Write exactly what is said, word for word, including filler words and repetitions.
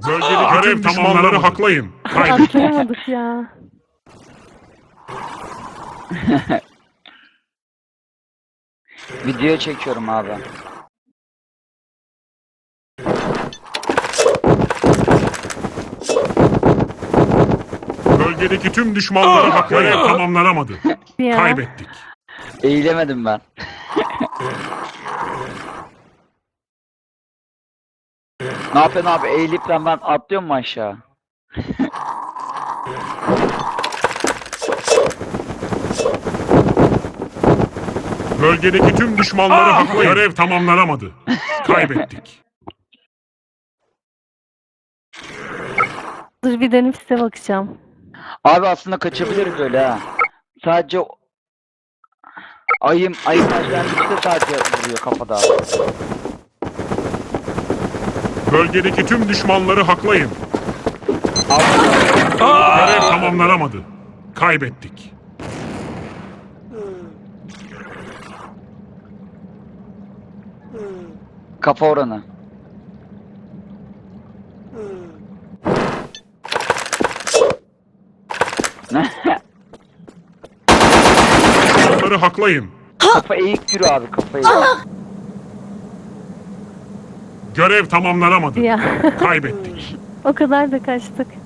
Bölgedeki görev tamamları haklayın. Kaybettik. Atlayamadık ya. Video çekiyorum abi. Bölgedeki tüm düşmanları haklayın. Görev tamamlanamadı. Ya. Kaybettik. Eğilemedim ben. Ne yapıyorsun abi? Eğilip ben, ben atlıyorum mu aşağı? Bölgedeki tüm düşmanları haklayın. Görev tamamlanamadı. Kaybettik. Dur bir dönüp size bakacağım. Abi aslında kaçabiliriz öyle ha. Sadece o- ayım ayım başlangıçta sadece vuruyor kafada. Bölgedeki tüm düşmanları haklayın. Abi, Görev tamamlanamadı. Kaybettik. kafa oranı. Düşmanları haklayın. Kafa eğik yürü abi, kafa eğik. Görev tamamlanamadı. Ya. Kaybettik. O kadar da kaçtık.